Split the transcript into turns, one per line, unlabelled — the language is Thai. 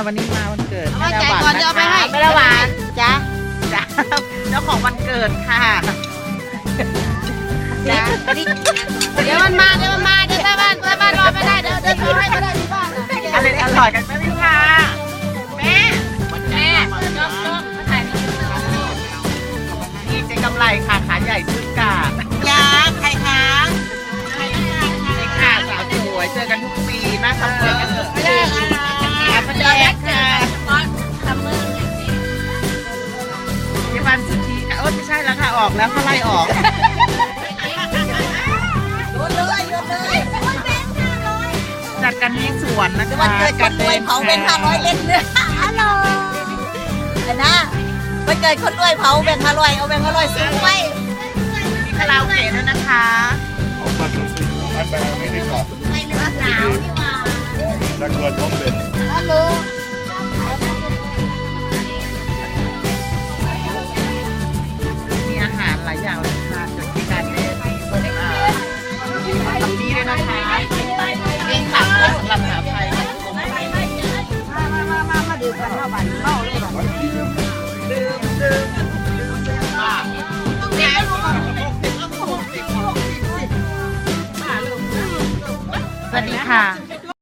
วันนี้มาวันเกิด
เอาใจก่อนจะเอาไปให้
ไม่ละหวานจ้าจ้าเจ้าของวันเกิดค่ะจ้า
เดี๋ยวมันมาเดี๋ยวแม่บ้านรอไม่ได้เดี๋ยวโทรให้ก็ได้ที่บ้าน
อะไรอร่อยกันไหมพี่ค่ะแม่ยกมาถ่ายนี่เจ๊กำไรค่ะขาใหญ่ซื้อกาดยาใครคะใครค่ะสาวสวยเจอกันทุกปีมาทำเจอกันเถอะประเด็กค่ะยี่วันสุธีค่ะไม่ใช่แล้วค่ะออกแล้วเขาไล่ออกจัดกันที่สวนนะคะ
วันเกิดคนรวยเผาเป็น500เล่นเนี่ยฮัลโหลนะวันเกิดคนรวยเผาแบ่ง500เอาแบ่ง500ซื้อไว้
มีคาราโอเกะด้วยนะคะ
ไม่เลือดหนาวนี่ว่า ฮัลโหล
มีอาหารหลายอย่างเลยค่ะจากที่การเล่นทำดีด้วยนะคะเองขับสำหรับสาวไทย
มาดื่มกันเท่าบันเมาเลยหรอ
สวัสดีค่ะ